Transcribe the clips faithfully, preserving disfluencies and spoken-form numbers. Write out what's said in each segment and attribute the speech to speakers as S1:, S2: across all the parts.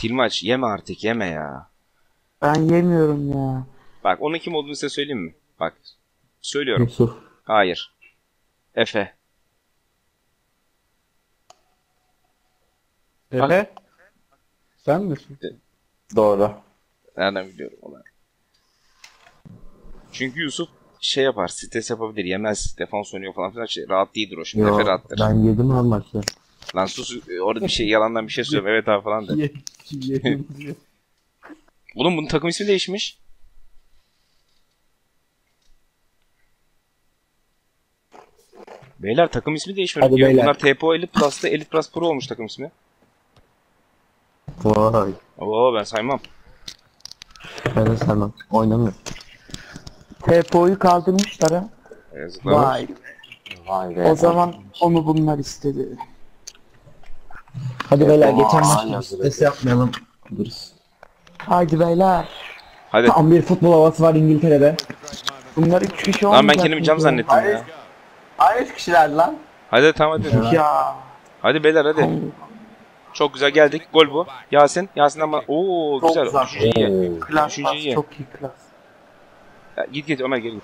S1: Tilmaç yeme artık, yeme ya.
S2: Ben yemiyorum ya.
S1: Bak onun kim olduğunu size söyleyeyim mi? Bak. Söylüyorum.
S2: Yusuf.
S1: Hayır. Efe.
S3: Efe? Sen misin?
S2: Doğru.
S1: Nereden biliyorum onu? Çünkü Yusuf şey yapar, stres yapabilir, yemez, defans oynuyor falan filan. Şey, rahat değildir o şimdi.
S2: Yo,
S1: Efe rahattır.
S2: ben yedim her maçta.
S1: Lan sus, orada bir şey yalandan bir şey söylüyorum. Evet abi falan de.
S3: Ye- Yedim diyor.
S1: Oğlum bunun takım ismi değişmiş. Beyler takım ismi değişmiş.
S2: Hadi
S1: Ya,
S2: beyler.
S1: bunlar T P O Elite Plus'ta Elite Plus Pro olmuş takım ismi.
S2: Vay.
S1: Oo ben saymam.
S2: Ben de sevmem. Oynamıyorum. T P O'yu kaldırmışlar ha.
S1: Yazıklar.
S2: Vay.
S4: Vay be.
S2: O zaman onu bunlar istedi.
S4: Hadi beyler geçen
S2: Aa,
S4: maç stres yapmayalım. Duruz.
S2: Haydi beyler.
S1: Hadi.
S4: Tam bir futbol havası var İngiltere'de.
S2: Bunlar üç kişi
S1: Lan ben
S2: olmayacak
S1: kendimi cam
S2: mıydı?
S1: zannettim ya.
S2: Hayır üç kişiler lan.
S1: Hadi tamam hadi.
S2: Ya.
S1: Hadi beyler hadi. Çok güzel geldik. Gol bu. Yasin. Yasin'den bana. Oo
S2: Çok
S1: güzel.
S2: güzel.
S1: Üçüncü iyi.
S2: Klas,
S1: Üçüncü
S2: klas,
S1: iyi.
S2: çok iyi klas.
S1: Ya, git git Ömer geri git.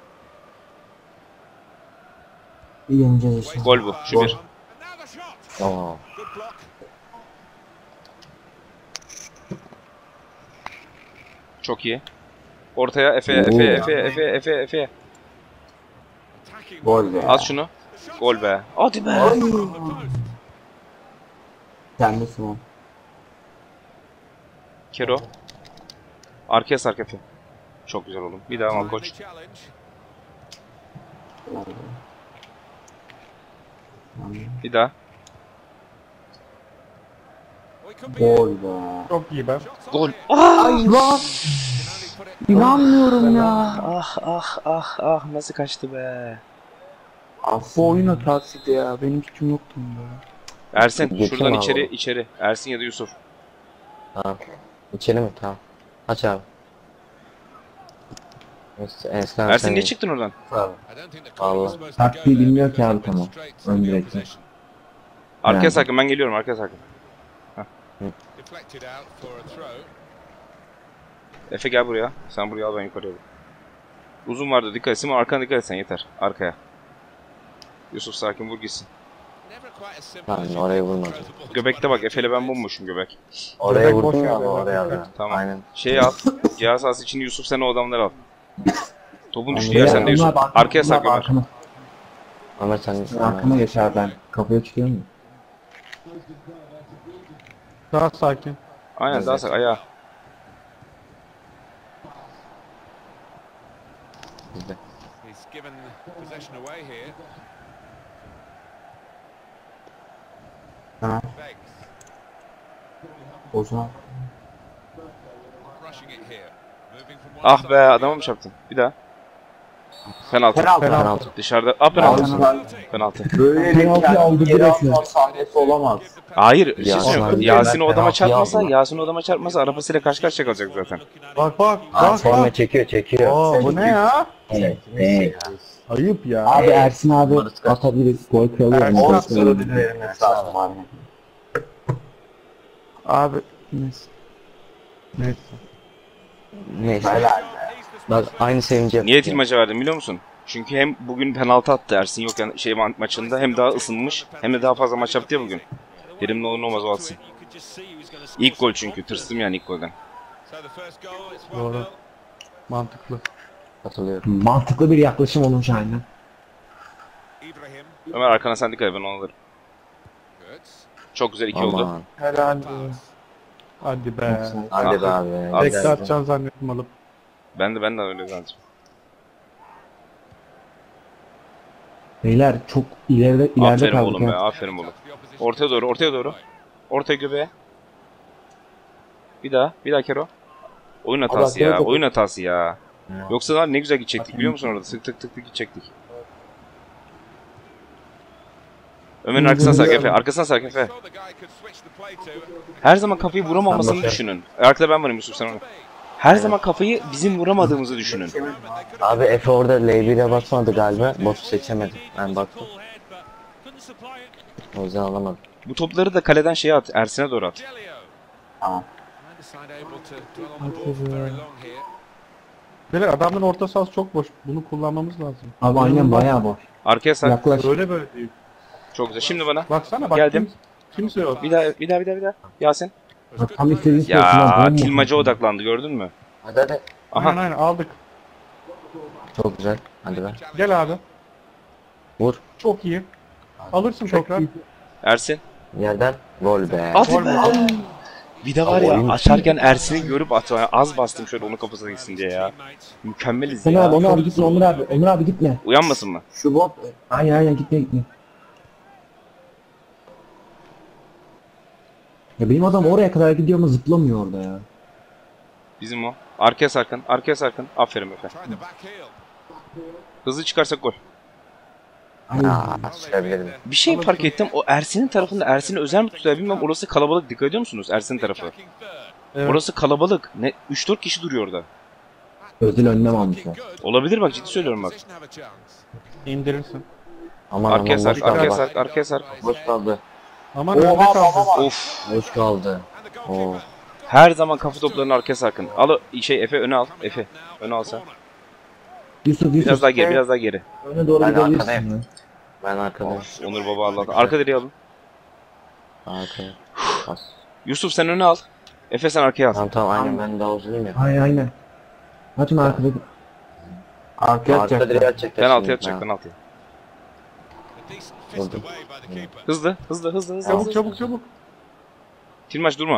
S4: İyi yeneceğiz işte.
S1: Gol bu. Şu bir.
S4: Tamam.
S1: Çok iyi. Ortaya Efe, Efe, Efe, Efe, Efe, Efe.
S2: Gol be.
S1: At şunu. Gol be. Hadi be.
S2: Kendisi o.
S1: Kero. Arkaya sark Efe. Çok güzel oğlum. Bir daha al koç. Bir daha.
S2: Gol be.
S3: Çok iyi ben.
S1: Gol.
S2: Ay lan. İnanmıyorum ya.
S1: Ah ah ah ah nasıl kaçtı be.
S2: Bu oyun hatasıydı ya. Benim suçum yoktu bunda.
S1: Ersin
S4: Geçeyim
S1: şuradan
S4: abi
S1: içeri
S4: oğlum.
S1: içeri. Ersin ya da Yusuf.
S4: Tamam. İçeri mi? Tamam. Aç abi. Neyse, Enskan
S1: Ersin
S4: sen-
S1: niye çıktın oradan?
S4: Allah.
S5: Taktiği bilmiyor ki abi tamam. Ön direkte.
S1: Arkaya
S5: Yani.
S1: sakın ben geliyorum arkaya sakın. Efe gel buraya. Sen buraya al ben yukarıya al. Uzun vardı dikkat etsin ama arkana dikkat etsen yeter. Arkaya. Yusuf sakin vur gitsin.
S4: Lan oraya vurmadım.
S1: Göbekte bak Efe'yle ben bomboşum göbek.
S4: Oraya
S3: Bebek boş
S4: vurdum ya
S3: ver,
S4: oraya
S3: bebek.
S4: da.
S1: Tamam.
S4: Aynen.
S1: Şey al. Cihaz sahası için Yusuf sen o adamları al. Topun düştüğü
S5: Beyler,
S1: yer sende Yusuf.
S5: onlar bak-
S1: Arkaya
S5: onlar
S1: sak Ömer.
S5: Arkama,
S4: Ömer sen...
S5: arkama geç abi ben. Kapıya çıkıyor mu?
S3: Daha sakin.
S1: Aynen daha sak ayağa.
S4: Bizde.
S2: Ha. O zaman.
S1: Ah be adama mı çarptın? Bir daha. Penaltı.
S2: Penaltı.
S4: Penaltı.
S1: Dışarıda. Ah penaltı.
S2: Penaltı.
S1: Penaltı.
S2: Böyle bir
S5: Penaltı aldı
S2: kendi geri
S5: direkt mi?
S2: atma sahnesi olamaz.
S1: Hayır. Bir şey
S4: Yasin
S1: söyleyeyim.
S4: abi,
S1: Yasin o
S4: ben
S1: adama
S4: penaltı
S1: çarpmasa,
S4: aldım.
S1: Yasin o adama çarpmasa arabasıyla karşı karşıya kalacak zaten.
S3: Bak bak
S4: Aa,
S3: bak
S4: sonra
S3: bak.
S4: çekiyor çekiyor.
S3: Aa bu ne ya?
S5: Evet. Evet.
S3: Ayıp ya.
S5: Abi Ersin abi atabilir. Gol kralı yani.
S3: Ersin
S5: Gol
S3: abi.
S5: kralı.
S2: Ödül verilmesi lazım abi. Abi neyse.
S3: Neyse.
S4: Neyse.
S2: Helal be.
S4: Bak aynı sevinci yapıyor.
S1: Niye Tilmaç'a verdim biliyor musun? Çünkü hem bugün penaltı attı Ersin yokken şey ma- maçında hem daha ısınmış hem de daha fazla maç yaptı ya bugün. Dedim ne olur ne olmaz o atsın. İlk gol çünkü tırstım yani ilk golden.
S3: Doğru. Mantıklı.
S4: Hatırlıyorum.
S5: Mantıklı bir yaklaşım olmuş aynen.
S1: Ömer arkana sen dikkat et ben onu alırım. Çok güzel iki oldu.
S4: Aman.
S2: Helal be.
S3: Hadi be.
S4: Hadi be abi.
S1: Ah.
S3: Tekrar
S4: Güzel.
S3: atacaksın zannettim alıp.
S1: Ben de ben de öyle zannediyorum.
S5: Beyler çok ileride ileride
S1: Aferin
S5: kaldık
S1: oğlum be
S5: ha.
S1: aferin oğlum. Ortaya doğru ortaya doğru. Ortaya göbeğe. Bir daha bir daha Kero. Oyun hatası ya oyun hatası ya. Yoksa lan ne güzel gidecektik biliyor musun orada sık tık tık tık gidecektik. Ömer'in arkasına sark Efe arkasına sark Efe. Her zaman kafayı vuramamasını düşünün. Arkada ben varım Yusuf sen onu. Her zaman kafayı bizim vuramadığımızı düşünün.
S4: Abi Efe orada L bir'e basmadı galiba. Botu seçemedi. Ben baktım. O yüzden alamadım.
S1: Bu topları da kaleden şeye at, Ersin'e doğru at.
S2: Tamam.
S3: Beyler adamın orta sahası çok boş. Bunu kullanmamız lazım.
S5: Abi aynen bayağı boş.
S1: Arkaya sak.
S5: Yaklaş.
S3: Böyle böyle değil.
S1: Çok güzel. Şimdi bana.
S3: Baksana bak.
S1: Geldim.
S3: Kim, kimse yok.
S1: Bir daha bir daha bir daha bir daha. Yasin.
S5: Bak, tam istediğin
S1: Ya Tilmaca odaklandı gördün mü?
S4: Hadi hadi.
S3: Aynen
S1: Aha.
S3: aynen aldık.
S4: Çok güzel. Hadi be.
S3: Gel abi.
S4: Vur.
S3: Çok iyi. Alırsın tekrar.
S1: Ersin.
S4: Yerden. Gol be.
S1: At
S3: Gol
S1: be.
S3: mü?
S1: Bir de var ya açarken Ersin'i görüp at. Az bastım şöyle onun kafasına gitsin diye ya. Mükemmeliz
S5: Onur
S1: ya.
S5: abi, Onur abi gitme, Onur abi, Onur abi gitme.
S1: Uyanmasın mı?
S2: Şu bot.
S5: Aynen aynen gitme gitme. Ya benim adam oraya kadar gidiyor ama zıplamıyor orada ya.
S1: Bizim o. Arkaya sarkın. Arkaya sarkın. Aferin Efe. Hızlı çıkarsak gol.
S5: Aynen.
S4: Aa, sürebilirim.
S1: Bir şey fark ettim. O Ersin'in tarafında Ersin'i özel mi tutuyor bilmem. Orası kalabalık. Dikkat ediyor musunuz? Ersin'in tarafı.
S3: Evet.
S1: Orası kalabalık. Ne üç dört kişi duruyor orada.
S5: Özel önlem almışlar.
S1: Olabilir bak ciddi söylüyorum bak.
S3: İndirirsin.
S4: Aman
S1: Arkaya
S4: aman
S1: sark,
S4: boş
S1: arkaya
S4: kaldı.
S1: sark, arkaya sark.
S4: Boş kaldı.
S3: Aman önde kaldı.
S1: Of.
S4: Boş kaldı. Oo.
S1: Her zaman kafa toplarını arkaya sarkın. Al o- şey Efe öne al. Efe öne alsa.
S5: Yusuf Yusuf.
S1: Biraz daha geri, biraz daha geri.
S5: Öne doğru
S4: Ben
S5: gidebilirsin
S4: arkadayım.
S5: ya.
S4: Ben arkadayım.
S1: Onur baba Allah'tan. Arka direği alın.
S4: Arkaya. Bas.
S1: Yusuf sen öne al. Efe sen arkaya al.
S4: Tamam tamam aynen ben daha uzunum ya.
S5: Aynen aynen. Açın arkada.
S2: Arkaya
S4: Arka direği
S2: atacaklar.
S4: atacak.
S1: Penaltı atacak penaltı.
S4: Vurdum.
S1: Hızlı, hızlı, hızlı, hızlı.
S3: Çabuk
S1: hızlı.
S3: çabuk çabuk.
S1: Tilmaç durma.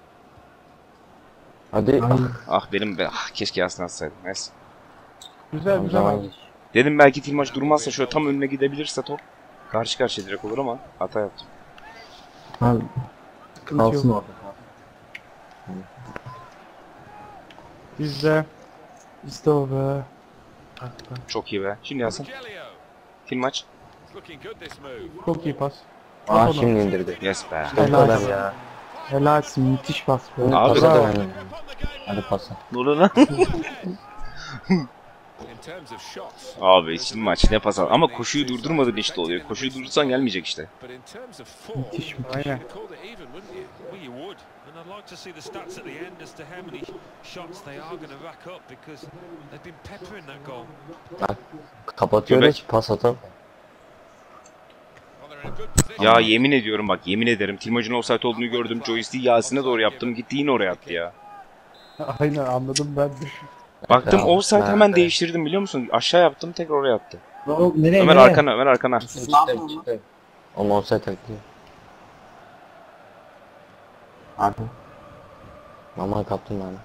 S4: Hadi.
S5: Aynen.
S1: Ah benim be. Ah, keşke Yasin atsaydım. Neyse.
S3: Güzel
S4: Tamam,
S3: güzel.
S4: zaman
S3: abi.
S4: geç.
S1: Dedim belki Tilmaç durmazsa şöyle tam önüne gidebilirse top. Karşı karşıya direkt olur ama hata yaptım.
S5: Abi
S3: Sıkıntı
S5: kalsın
S3: yok.
S5: orada.
S3: Bizde. İşte o be.
S1: Çok iyi be. Şimdi Yasin. Tilmaç.
S3: Çok iyi pas.
S4: Aa
S3: Onu.
S4: şimdi indirdi.
S1: Yes be.
S4: Bu
S2: Helal.
S4: kadar ya.
S2: Helalsin, müthiş bas be.
S1: Abi.
S4: Pasa da benim. Hadi pasa.
S1: Ne oluyor lan? Abi Tilmaç ne pas al. Ama koşuyu durdurmadın işte oluyor. Koşuyu durdursan gelmeyecek işte.
S2: Müthiş müthiş.
S3: Aynen.
S6: And I'd like to see the stats at the end as to how many shots they are going to rack up because they've been peppering that goal.
S4: Kapatıyoruz. Pas atalım.
S1: Ya yemin ediyorum bak yemin ederim Tilmaç'ın offside olduğunu gördüm. Joystick'i Yasin'e doğru yaptım. Gitti yine oraya attı ya.
S3: Aynen anladım ben de.
S1: Baktım
S4: Ya,
S1: offside hemen
S4: nerede?
S1: değiştirdim biliyor musun? Aşağı yaptım tekrar oraya attı.
S5: O, nereye
S1: Ömer
S5: nereye?
S1: arkana, Ömer arkana.
S4: Çıktı çıktı. O offside taktiği.
S2: Abi.
S4: Mama kaptım ben.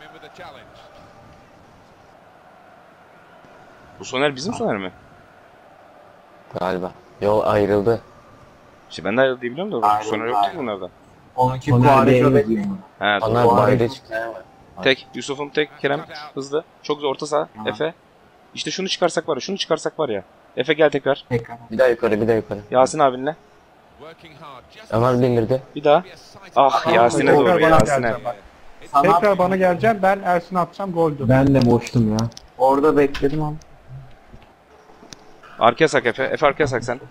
S1: Bu Soner bizim Soner mi?
S4: Galiba. Yol ayrıldı.
S1: İşte ben de ayrıldı diye biliyorum da bu
S2: Ayrıldı,
S1: Soner yoktu ki
S2: ayrıldı.
S1: bunlardan.
S2: Onunki
S5: Soner
S2: Kuare
S5: Bey'e
S2: Şöbet.
S5: yazıyor.
S1: He, doğru.
S4: Onlar bayrağı çıktı.
S1: Tek, Yusuf'um tek, Kerem hızlı. Çok zor orta saha. Efe. İşte şunu çıkarsak var ya, şunu çıkarsak var ya. Efe gel tekrar.
S2: Tekrar.
S4: Bir daha yukarı bir daha yukarı.
S1: Yasin abinle.
S4: Ömer bindirdi.
S1: Bir daha. Ah Yasin'e
S3: Tekrar
S1: doğru
S3: bana
S1: Yasin'e.
S3: geleceğim bak.
S2: Sana
S3: Tekrar bana geleceğim. Ben Ersin'e atacağım goldü.
S5: Ben de boştum ya.
S2: orada bekledim ama.
S1: Arkaya sak Efe. Efe arkaya sak sen.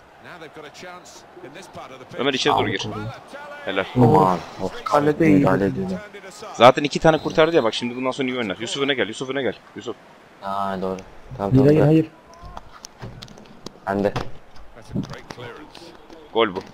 S1: Ömer içeri doğru gir. Helal.
S4: Aman. Of.
S2: Kalede iyi.
S4: Müdahale ediyor.
S1: Zaten iki tane kurtardı ya bak şimdi bundan sonra iyi oynar. Yusuf öne gel. Yusuf öne gel. Yusuf.
S4: Aa doğru. Tamam
S5: Hayır
S4: tamam.
S5: hayır
S4: bırak.
S5: hayır.
S4: Ben de.
S1: Gol bu.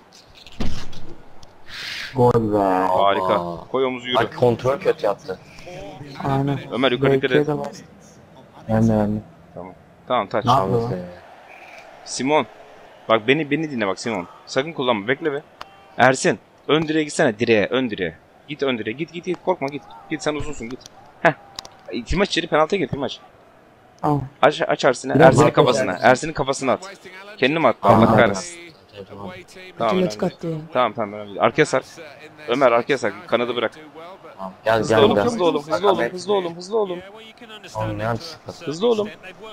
S2: Gol be.
S1: Harika.
S4: Aa.
S1: Koy omuzu yürü.
S4: Bak kontrol kötü yaptı.
S2: Aynen.
S1: Ömer yukarı dikkat
S2: Belki'ye
S1: et.
S2: de bas.
S5: Ben de ben de.
S1: Tamam taç.
S2: Ne yapıyor?
S4: Şansı.
S1: Simon. Bak beni beni dinle bak Simon. Sakın kullanma. Bekle be. Ersin. Ön direğe gitsene. Direğe. Ön direğe. Git ön direğe. Git git git. Korkma git. Git sen uzunsun git. Heh. Timaç içeri penaltıya gir Timaç.
S2: Tamam.
S1: Aç, aç Ersin'e.
S5: Biraz
S1: Ersin'in
S5: daha
S1: kafasına.
S5: koşar.
S1: Ersin'in kafasına at. Kendini mi attı?
S4: Tamam,
S1: Allah
S4: tamam.
S1: kahretsin. Tamam önemli değil. Tamam tamam önemli değil. Arkaya sar. Ömer arkaya sar. Kanadı bırak.
S4: Tamam. Gel
S1: Hızlı
S4: gel
S1: olun,
S4: biraz.
S1: hızlı olun, hızlı olun, hızlı olun, hızlı olun.
S4: Oğlum ne yapıyorsun?
S1: Hızlı olun.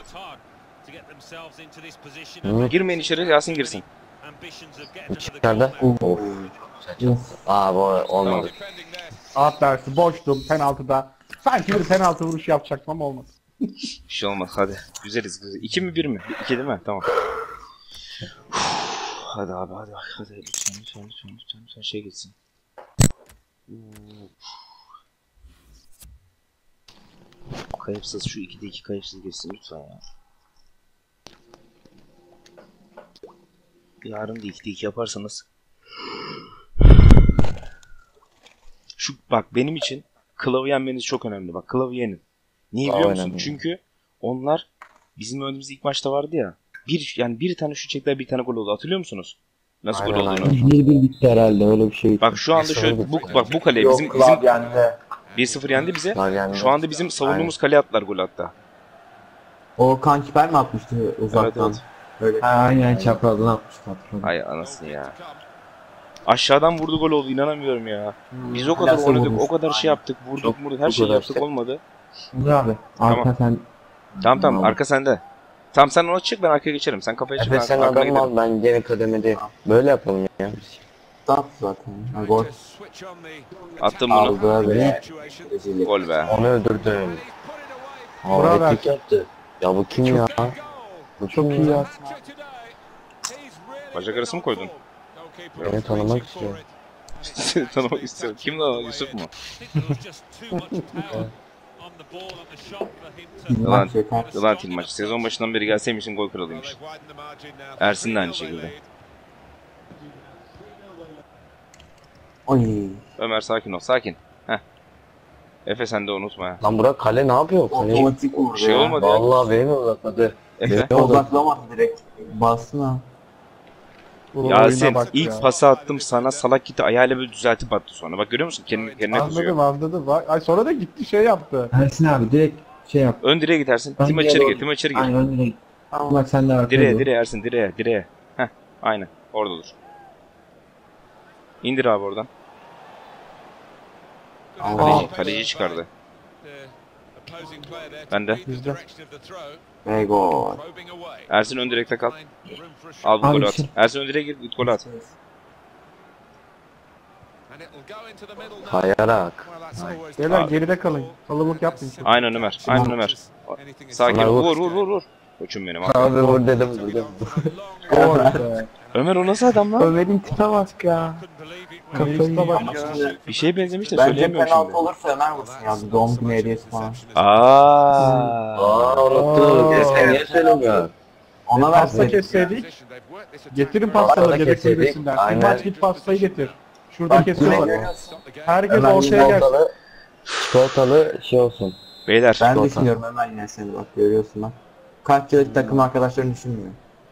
S1: Girmeyin içeri, Yasin girsin.
S4: İçeride. Of. Aa bu olmadı.
S3: Alt dersi boştum penaltıda. Sanki bir penaltı vuruşu yapacaktım ama olmadı.
S1: Bir şey olmaz hadi. Güzeliz güzel. İki mi bir mi? İki değil mi? Tamam. Hadi abi hadi hadi. Lütfen lütfen lütfen lütfen lütfen şey geçsin. Kayıpsız şu ikide iki kayıpsız geçsin lütfen ya. Yarın da ikide iki yaparsanız. Şu bak benim için Klav'ı yenmeniz çok önemli. Bak Klav'ı yenin. Niye biliyor musun?
S4: Önemli.
S1: Çünkü onlar bizim önümüzde ilk maçta vardı ya. Bir yani bir tane şut çektiler, bir tane gol oldu. Hatırlıyor musunuz? Nasıl
S4: Aynen,
S1: gol olduğunu?
S4: aynen.
S5: Bir bir bitti herhalde öyle bir şey.
S1: Bak şu anda şöyle bu bak bu kale bizim
S2: Yok
S1: bizim
S2: Klav yendi.
S1: bir sıfır yendi bize.
S4: Var yani.
S1: Şu anda bizim savunduğumuz kaleye attılar gol hatta.
S2: O Kankiper mi atmıştı uzaktan?
S1: Evet,
S2: Öyle.
S5: Ha, aynen çaprazdan atmıştı hatırladım.
S1: Ay anasını ya. Aşağıdan vurdu gol oldu, inanamıyorum ya. Biz o kadar
S2: Nasıl
S1: oynadık,
S2: vurmuş?
S1: o kadar şey yaptık, vurduk,
S4: Çok-
S1: vurduk, her
S4: çok
S1: şeyi
S4: uğraştık.
S1: yaptık, olmadı.
S5: Dur abi. Arka
S1: Tamam.
S5: sen.
S1: Tamam tamam,
S5: Tamam.
S1: arka sende. Tamam sen ona çık, ben arkaya geçerim. Sen kafaya çık,
S4: Efe
S1: ben
S4: sen
S1: arkaya
S4: adam
S1: giderim.
S4: al, ben gene kademede. Böyle yapalım ya.
S2: Attı zaten. Ha, gol.
S1: Attım bunu.
S2: Aldı ve
S1: Gol be.
S4: Onu öldürdüm.
S3: Bravo.
S4: Aa, tek yaptı. Ya bu kim ya? Bu
S5: Çok
S4: kim
S5: iyi
S4: ya?
S5: ya.
S1: Bacak arası mı koydun?
S4: Beni tanımak istiyor.
S1: Seni tanımak istiyorum. Kim lan o? Yusuf mu? Yılan,
S2: Maç yeter.
S1: yılan Tilmaç. Sezon başından beri gelseymişsin gol kralıymış. Ersin de aynı şekilde.
S2: Oy.
S1: Ömer sakin ol, sakin. Heh. Efe sen de unutma ya.
S4: Lan Burak kale ne yapıyor? Kale...
S2: Otomatik vurdu
S1: Şey
S2: ya.
S1: olmadı ya.
S4: Vallahi beni uzatmadı.
S1: Efe.
S2: Odaklamadı direkt. Bastın ha.
S3: Bu
S1: Yasin
S3: oyuna bak
S1: ilk
S3: ya.
S1: pası attım sana, salak gitti ayağıyla böyle düzeltip attı sonra. Bak görüyor musun? Kendine, kendine kızıyor.
S3: Anladım anladım. Bak, ay sonra da gitti şey yaptı.
S5: Ersin abi direkt şey yap.
S1: Ön direğe gidersin.
S5: Ön
S1: Tima
S5: direğe
S1: içeri
S5: doğru.
S1: gir. Tima içeri gir.
S5: Aynen önüne git. Tamam bak sen de arkaya
S1: Direğe
S5: dur.
S1: direğe Ersin direğe direğe. Heh aynen orada dur. İndir abi oradan. Kaleci, kaleci çıkardı. Ben de.
S3: Bizde.
S2: Ve gol.
S1: Ersin ön direkte kal. Al bu
S5: Abi
S1: golü at.
S5: şey-
S1: Ersin ön direğe gir, git golü at.
S4: Kayarak.
S3: Beyler
S1: Abi.
S3: geride kalın. Kalabalık yapmayın.
S1: Aynen Ömer. Aynen Ömer. Sakin ol. Vur vur vur vur. Koçum benim. Abi.
S4: Abi vur dedim dedim.
S3: Gol be.
S1: Ömer o nasıl adam lan?
S5: Ömer'in tipe bak ya.
S3: Kafayı bak
S2: Ama
S3: ya.
S2: şimdi
S1: Bir şey benzemiş de
S2: bence
S1: söyleyemiyorum
S2: penaltı
S1: şimdi.
S2: olursa Ömer vursun ya. Doğum günü hediyesi falan.
S1: Aaa.
S4: Aa unuttum. Efe niye söylemiyor?
S2: Ona
S3: Pasta
S2: versin.
S3: kesseydik. Getirin pastaları
S4: Pasta
S3: yedek
S4: kesseydik,
S3: kulübesinden.
S4: aynen.
S3: Maç git pastayı getir. Şurada
S2: Bak, yine
S3: kesiyorlar.
S2: görüyorsun.
S3: Herkes
S4: Hemen
S3: ortaya gelsin.
S4: çikolatalı, çikolatalı şey olsun.
S1: Beyler.
S2: Ben
S4: Çikolata.
S2: düşünüyorum Ömer yine seni bak görüyorsun bak. Kaç yıllık takım arkadaşlarını düşünmüyor.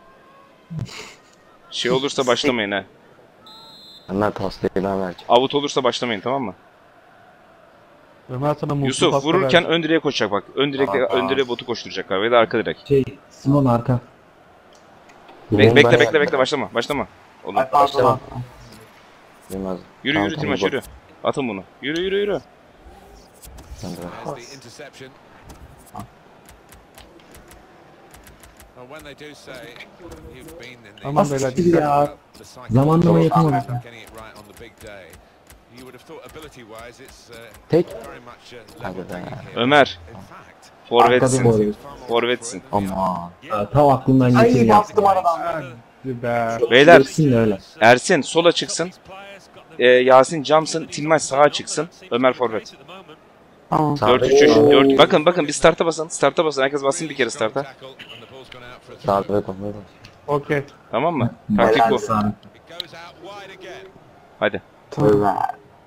S1: Şey olursa başlamayın ha.
S4: Hemen pastayı ben vereceğim.
S1: Avut olursa başlamayın, tamam mı?
S3: Ömer sana mutlu
S1: Yusuf
S3: pasta
S1: vururken
S3: versin.
S1: ön direğe koşacak bak. Ön direkte
S4: Tamam.
S1: ön direğe botu koşturacaklar ya da arka direk.
S5: Şey Simon arka.
S1: Bek,
S4: Oğlum
S1: bekle
S4: ben-
S1: bekle bekle başlama. Başlama. Oğlum.
S2: Ay pardon.
S4: başlamam. Bilmez.
S1: Yürü
S4: Tamam,
S1: yürü
S4: tamam,
S1: Tilmaç
S4: bak.
S1: yürü. Atın bunu. Yürü yürü yürü.
S4: Sen de ver.
S3: Tamam beyler.
S5: Siktir ya. Zamanlama yapamadım.
S4: Tek. Hadi be.
S1: Ömer.
S5: Arkada
S1: Forvetsin.
S5: boy.
S1: Forvetsin.
S4: Ama.
S5: Aa, Tam aklımdan geçirdi
S2: Ay
S5: ya.
S2: bastım aradan.
S3: Hadi be.
S1: Beyler
S5: Geçsin de öyle.
S1: Ersin sola çıksın. Ee, Yasin camsın. Tilmaç sağa çıksın. Ömer forvet.
S2: Tamam.
S1: dört üç üç. dört. Bakın bakın bir starta basın. Starta basın. Herkes bassın bir kere starta.
S4: Sağ ve kontrol.
S3: Okey.
S1: Tamam mı? Taktik bu.
S2: Helal sana.
S1: Hadi.
S2: Ömer.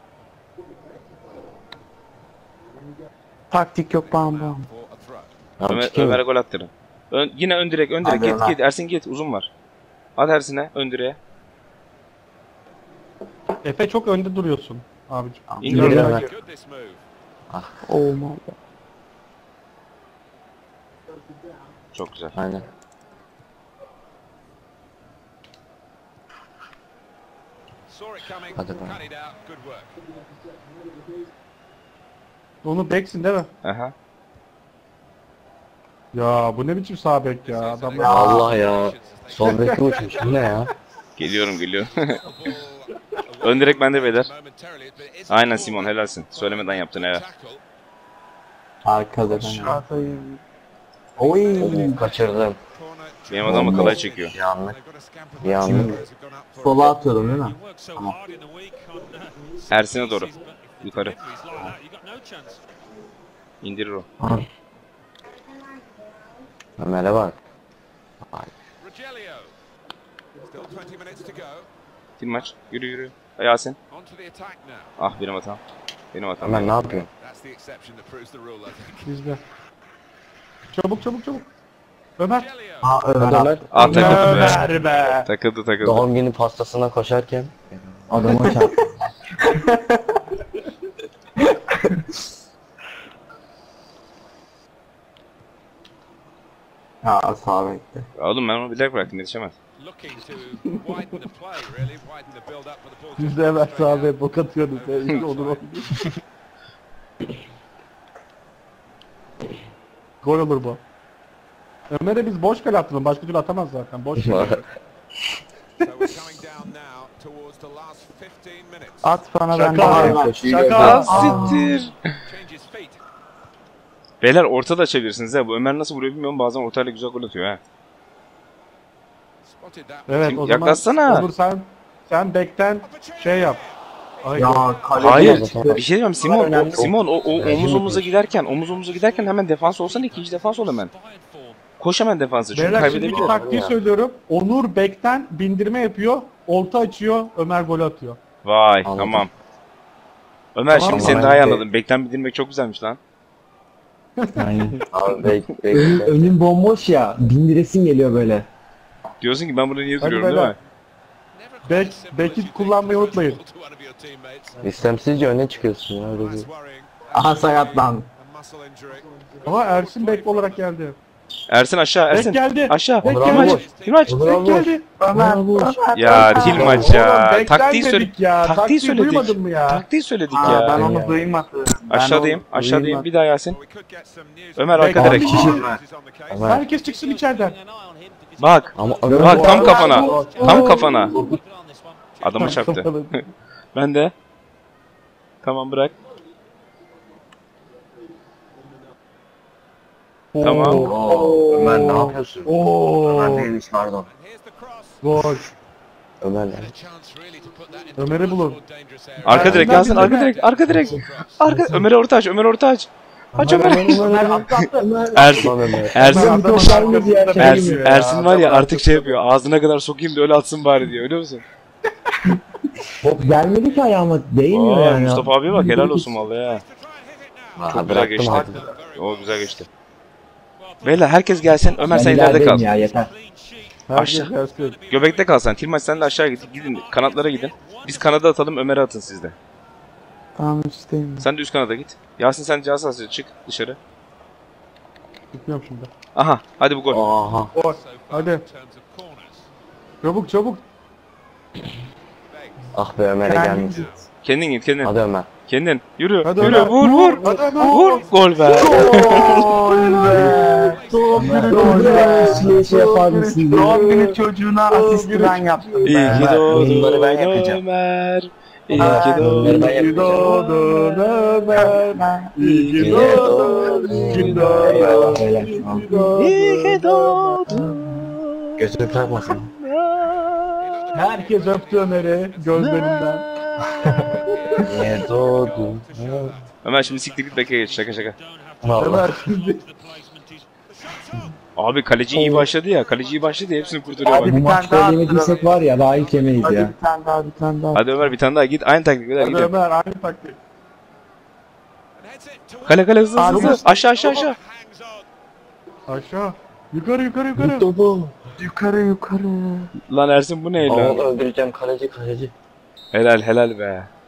S2: Taktik yok bam bam.
S4: Abi
S1: Ömer,
S4: çıkayım mı?
S1: Ömer'e gol attırın. Ön, yine ön direk, ön direk.
S2: Hadi
S1: Git
S2: Ömer.
S1: git. Ersin git. Uzun var. At Ersin'e. Ön direğe.
S3: Efe çok önde duruyorsun abicim.
S1: İndir
S3: Biraz
S1: onu.
S3: daha gir.
S2: Olmaz.
S1: Çok güzel.
S4: Aynen. Hadi be.
S3: Onu beksin değil mi?
S1: Aha.
S3: Ya bu ne biçim sağ bek ya adamlar.
S2: Ya.
S4: Allah ya. Sol beki uçmuş. Bu ne ya?
S1: Geliyorum geliyorum. Ön direk bende beyler. Aynen Simon helalsin. Söylemeden yaptın evet.
S2: Arkada ben. Oy.
S4: Kaçırdım.
S1: Benim adamı kalaya çekiyor.
S4: Bir anlık. Bir anlık.
S5: Sola atıyorum değil mi?
S1: Ersin'e doğru. Yukarı. İndirir o.
S5: Abi.
S4: Ömer'e bak.
S1: Kim maç? Yürü yürü. Yasin. Ah benim hatam. Benim hatam.
S4: Ömer ne yapıyorsun?
S3: Bizde. Çabuk çabuk çabuk. Ömer.
S5: Aa Ömer.
S1: Ah takıldı be.
S3: Ömer be.
S1: Takıldı takıldı.
S4: Doğum günü pastasına koşarken.
S5: Adama çarp.
S2: Ya sağ bekle.
S1: Oğlum ben onu bilerek bıraktım yetişemez.
S3: Bizde Ömer sahibi bok atıyordu. İşte olur olur. Gol olur bu. Ömer'e biz boş kale attıralım. Başka türlü atamaz zaten. Boş kale.
S2: At bana ben
S3: Şaka.
S2: de.
S3: Şaka.
S1: Ah siktir. Beyler orta da açabilirsiniz ha. Bu Ömer nasıl vuruyor bilmiyorum. Bazen ortayla güzel gol atıyor ha.
S3: Evet
S1: Kim-
S3: o zaman
S1: yaklaşsana.
S3: Onur sen sen bekten şey yap. Ay,
S5: Ya kaleci
S1: Hayır.
S5: çıktı.
S1: Bir şey diyeyim Simon.
S5: Önemli.
S1: Simon o, o
S5: Önemli
S1: omuz
S5: bir
S1: omuza giderken omuz omuza giderken hemen defans olsana, ikinci defans ol hemen. Koş hemen defansa çünkü
S3: Beyler şimdi
S1: kaybedebilir.
S3: bir taktiği söylüyorum. Onur bekten bindirme yapıyor. Orta açıyor. Ömer gol atıyor.
S1: Vay
S4: Anladım.
S1: tamam. Ömer
S3: Tamam,
S1: şimdi seni
S4: ben
S1: daha iyi
S4: de-
S1: anladım. Bekten bildirmek çok güzelmiş lan.
S5: Yani.
S4: Abi bek
S5: Önüm,
S4: bek.
S5: önüm bomboş ya. Bindiresin geliyor böyle.
S1: Diyorsun ki ben burada niye
S3: Hadi
S1: duruyorum değil
S3: beyler.
S1: mi?
S3: Bek, beki kullanmayı unutmayın.
S4: İstemsizce öne çıkıyorsun ya öyle değil.
S5: Aha sakatlan.
S3: Ama Ersin bek olarak geldi.
S1: Ersin aşağı
S3: Bek
S1: Ersin.
S3: geldi.
S1: Aşağı.
S3: Bek
S5: Onur
S1: Tilmaç.
S5: abi.
S1: Tilmaç.
S5: Onur
S3: Bek
S5: abi.
S3: geldi.
S2: Ömer.
S5: Bravo.
S1: Ya Tilmaç ya.
S3: Oğlum, bekten
S1: Taktiği
S3: dedik
S1: söyle.
S3: ya.
S1: Taktiği
S3: Taktiği
S1: söyledik.
S3: duymadın mı ya?
S1: Taktiği söyledik
S2: Aa,
S1: ya.
S2: ben onu duymadım. Ben
S1: Aşağıdayım.
S2: onu
S1: Aşağıdayım.
S2: duymadım.
S1: Bir daha Yasin. Ömer
S3: Bekten
S1: arka direkt.
S3: bir kişi.
S4: Ömer.
S3: Herkes çıksın içeriden.
S1: Bak.
S4: Ama Ömer
S1: Bak tam
S3: Oo.
S1: kafana.
S3: Oo.
S1: Tam kafana. Adamı çarptı. Ben de. Tamam bırak. Tamam.
S4: Oo, Ömer ne yapıyorsun?
S3: Oo.
S4: Ömer değilmiş pardon.
S3: Gol.
S4: Ömer ne?
S3: Ömer'i bulun.
S1: Arka direkt Yasin. Arka direkt. Arka direkt. Arka. Ömer'e orta aç. Ömer orta aç. Aç Ömer. Ersin.
S4: Lan Ömer.
S1: Ersin.
S3: Adamın
S5: koşarımız yer
S3: arkasında
S5: şey
S1: Ersin,
S3: bekliyor ya.
S1: Ersin var ya artık şey yapıyor. Ağzına kadar sokayım da öyle atsın bari diyor. Biliyor musun?
S5: Top gelmedi ki ayağıma. Değmiyor
S1: Aa,
S5: yani.
S1: Mustafa abiye bak helal olsun vallahi ya.
S4: Aa,
S1: Çok güzel
S4: bıraktım
S1: geçti.
S4: artık.
S1: O güzel geçti. Beyler herkes gelsin. Ömer
S5: Ben
S1: sen ileride
S5: ilerideyim
S1: kal.
S5: ya yeter.
S3: Herkes
S1: Aşağı.
S3: gelsin.
S1: Göbekte kal sen. Tilmaç sen de aşağı git. Gidin kanatlara gidin. Biz kanada atalım, Ömer'e atın siz de.
S2: Tamam üstteyim.
S1: Sen de üst kanada git. Yasin sen cihaz hasrı çık dışarı.
S3: Gitmiyorum şimdi.
S1: Aha hadi bu gol.
S4: Aha.
S3: Gol. Hadi. Çabuk çabuk.
S4: Ah be Ömer'e
S2: Kendin
S4: gelmiş.
S2: git.
S1: Kendin git kendin.
S4: Hadi Ömer.
S1: Kendin. Yürü.
S3: Hadi
S1: Yürü
S3: Ömer.
S1: vur vur.
S3: Hadi Ömer.
S1: Vur. Gol be.
S2: Gol be. Doğum günü
S5: Doğum
S2: çocuğuna.
S5: günü şey yapar mısın?
S2: Doğum günü çocuğuna asisti ben yaptım
S1: İyi
S2: be.
S1: ki
S4: Ömer,
S1: doğdun
S4: bunları ben yapacağım.
S1: Ömer. İyi
S2: Aa,
S1: ki doğdun.
S4: ben
S3: İyi ki doğdun Ömer. İyi ki
S4: doğdun.
S3: doğdun. İyi ki doğdun.
S5: Eyvallah beyler.
S1: İyi ki doğdun.
S4: Gözünü takmasın.
S3: Herkes öptü Ömer'i gözlerinden.
S4: Niye doğdun?
S1: Ömer şimdi siktir git bekle geç. Şaka şaka.
S4: Vallahi.
S3: Ömer şimdi.
S1: Abi kaleci iyi başladı ya. Kaleci iyi başladı ya. Hepsini kurtarıyor
S2: Hadi
S1: bak.
S5: Bu
S2: bir tane
S5: maçta
S2: daha
S5: yemediysek var ya daha ilk yemeyiz
S2: Hadi
S5: ya.
S2: bir tane daha bir tane daha.
S1: Hadi Ömer bir tane daha git. Aynı taktik. Hadi
S3: Hadi
S1: gidelim.
S3: Ömer aynı taktik.
S1: Kale kale hızlı hızlı.
S2: Abi,
S1: hızlı. Aşağı aşağı aşağı.
S3: Aşağı. Yukarı yukarı yukarı.
S4: Topu.
S2: Yukarı yukarı.
S1: Lan Ersin bu ne
S4: Aa,
S1: lan?
S4: öldüreceğim kaleci kaleci.
S1: Helal helal be.